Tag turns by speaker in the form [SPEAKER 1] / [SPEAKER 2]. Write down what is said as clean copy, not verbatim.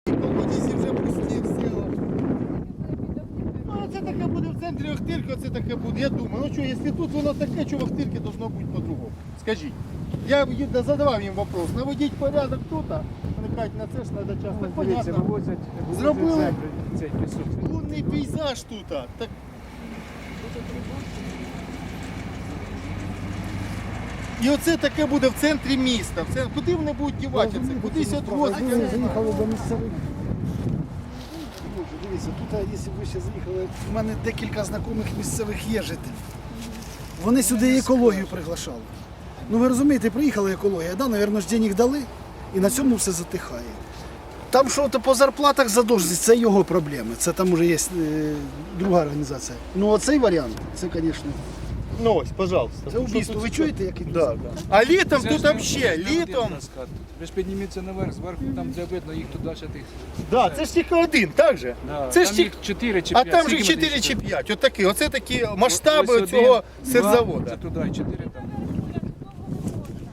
[SPEAKER 1] Колодязі вже пусті в селах. Ну, це таке буде в центрі Охтирки, це таке буде. Я думаю, ну що, якщо тут воно таке, що в Охтирці должно бути по-другому. Скажіть. Я задавав їм вопрос, наведіть порядок тут, вони кажуть, на це ж треба час. Так понятно. Зробили лунний пейзаж тут. Так. І оце таке буде в центрі міста. Куди вони будуть дівати це? Кудись відвозити?
[SPEAKER 2] Заїхали до місцевих. Дивіться, тут, якщо ви ще заїхали, в мене декілька знайомих місцевих є жителів. Вони сюди екологію приглашали. Ну ви розумієте, приїхала екологія, да, мабуть, ж денег дали, і на цьому все затихає. Там що то по зарплатах задовженість, це його проблеми. Це там вже є друга організація. Ну оцей варіант, це, звісно.
[SPEAKER 1] Ну ось, пожалуйста.
[SPEAKER 2] Це убійство. Ви чуєте, як іде?
[SPEAKER 1] Да. А літом тут взагалі, літом.
[SPEAKER 3] Ви ж підніміться наверх, зверху там де видно, їх тут далі тих.
[SPEAKER 1] Да, це ж тільки один, так же?
[SPEAKER 3] Да,
[SPEAKER 1] Це ж
[SPEAKER 3] там
[SPEAKER 1] тільки...
[SPEAKER 3] їх 4 чи
[SPEAKER 1] А
[SPEAKER 3] 5.
[SPEAKER 1] там же 4 чи 5. Отакі. Оце такі масштаби цього сирзаводу.
[SPEAKER 3] Це туди 4 там.